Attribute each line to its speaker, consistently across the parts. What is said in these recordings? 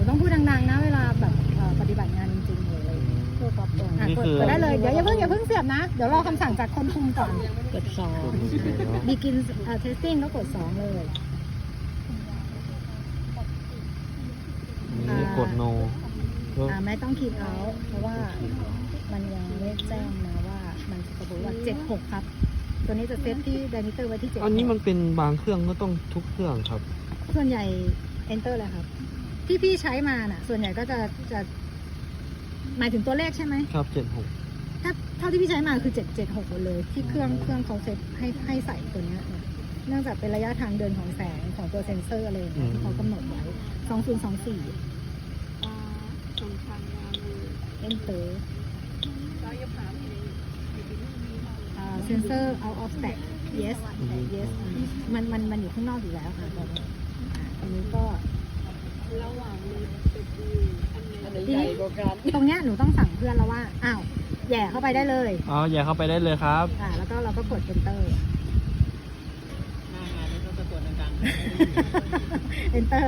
Speaker 1: ต้องพูดดังๆนะเวลาแบบปฏิบัติงานจริงๆเลยกดได้เลยเดี๋ยวอย่าเพิ่งเสียบนะเดี๋ยวรอคำสั่งจากคนคุมก่อนกด2 begin testing ก็กด2เลย
Speaker 2: กด no
Speaker 1: ไม่ต้องคีย์เอาเพราะว่ามันยังไม่แจ้งนะว่ามันจะบอกว่า76ครับตัวนี้จะเซตที่ไดมิเตอร์ไว้ที่7
Speaker 2: อันนี้มันเป็นบางเครื่องก็ต้องทุกเครื่องครับ
Speaker 1: ส่วนใหญ่ enter เลยครับที่พี่ใช้มาน่ะส่วนใหญ่ก็จะหมายถึงตัวเลขใช่ไหม
Speaker 2: ครับ76
Speaker 1: ถ้าเท่าที่พี่ใช้มาคือ776หมดเลยที่เครื่องเขาเซตให้ใส่ตัวนี้เนื่องจากเป็นระยะทางเดินของแสงของตัวเซ็นเซอร์อะไรอย่างเงี้ยที่เขากำหนดไว้2024enterเซนเซอร์ out of stack yes มันอยู่ข้างนอกอยู่แล้วค่ะตอนนี้อันนี้ก็ทีนี้ตรงเนี้ยหนูต้องสั่งเพื่อนแล้วว่าอ้าวแย่เข้าไปได้เลย
Speaker 2: แย่เข้าไปได้เลยครับ
Speaker 1: แล้วก็เราก็กด enter enter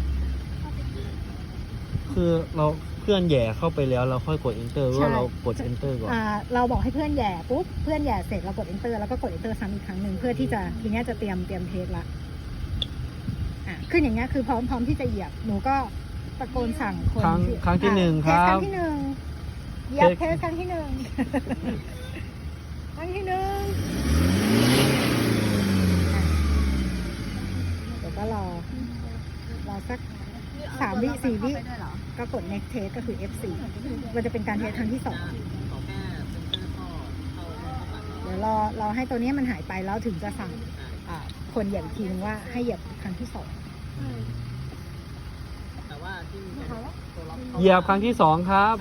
Speaker 2: คือเราเพื่อนแย่เข้าไปแล้วเราค่อยกด enter ว่าเรากด enter ก่อน
Speaker 1: เราบอกให้เพื่อนแย่ปุ๊บเพื่อนแย่เสร็จเรากด enter แล้วก็กด enter ซ้ำอีกครั้งหนึ่งเพื่อที่จะทีนี้จะเตรียมเทสละขึ้นอย่างเงี้ยคือพร้อมที่จะเหยียบหนูก็ตะโกนสั่งคน
Speaker 2: ครั้งที่1ครับ
Speaker 1: ครั้งที่1เหยียบเทสครั้งที่1ครั้งที่1เดี๋ยวก็รอสัก3 วิ 4 วิก็กด next test ก็คือ F4 มันจะเป็นการเทสครั้งที่2เดี๋ยวรอให้ตัวนี้มันหายไปแล้วถึงจะสั่งคนเหยียบอีกทีนึงว่าให้เหยียบครั้งที่2
Speaker 2: เหยียบครั้งที่2ครับ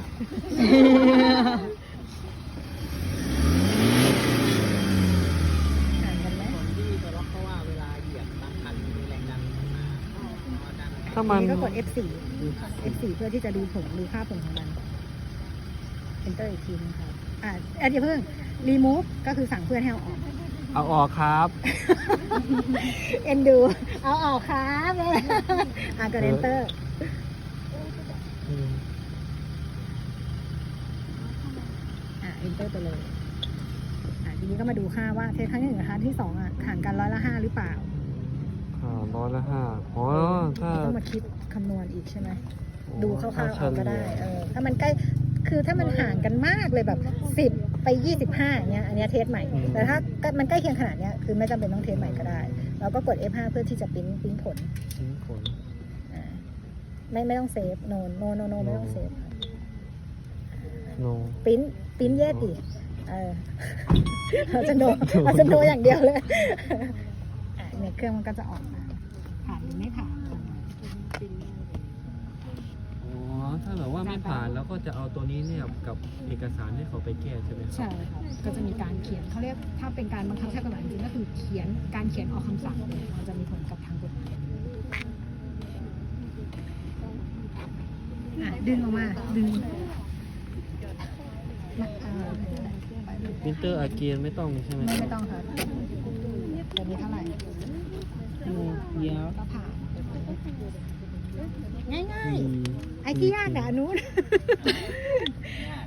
Speaker 1: ถ้ามันก็กด F4 เพื่อที่จะดูค่าผลของมัน enter อีกทีนึงครับอย่าเพิ่ง remove ก็คือสั่งเพื่อนให้
Speaker 2: เอาออกครับ
Speaker 1: ดูเอาออกครับกด enter enter ไปเลยทีนี้ก็มาดูค่าว่าเทสครั้งที่1กับครั้งที่2ห่างกัน5%หรือเปล่า
Speaker 2: 5%ถ้า
Speaker 1: ต้องมาคิดคำนวณอีกใช่ไหมดูคร่าวๆเอาก็ได้ถ้ามันใกล้คือถ้ามันห่างกันมากเลยแบบ10 ไป 25อย่างเงี้ยอันนี้เทสใหม่แต่ถ้ามันใกล้เคียงขนาดเนี้ยคือไม่จำเป็นต้องเทสใหม่ก็ได้เราก็กด F5 เพื่อที่จะปริ้นผลไม่ต้องเซฟโนไม่ต้องเซฟปริ้นเยสดิเราจะโนอย่างเดียวเลยเนี่ยเครื่องมันก็จะออกมาผ่านหรือไม่ผ่าน
Speaker 2: ถ้าแบบว่าไม่ผ่านแล้วก็จะเอาตัวนี้เนี่ยกับเอกสารให้เขาไปแก้ใช่ไหม
Speaker 1: ใช่ค่ะก็จะมีการเขียนเขาเรียกถ้าเป็นการบังคับใช้กฎหมายจริงก็คือการเขียนออกคำสั่งมันจะมีผลกับทางกฎหมายดึงออกมาดึง
Speaker 2: มิเตอร์อาเกียนไม่ต้องใช่ไหม
Speaker 1: ไม่ต้องครับตัวนี้เท่าไหร่
Speaker 2: เดี๋ยว
Speaker 1: ก็ผ่านง่ายๆไอ้ที่ยากอะนู้น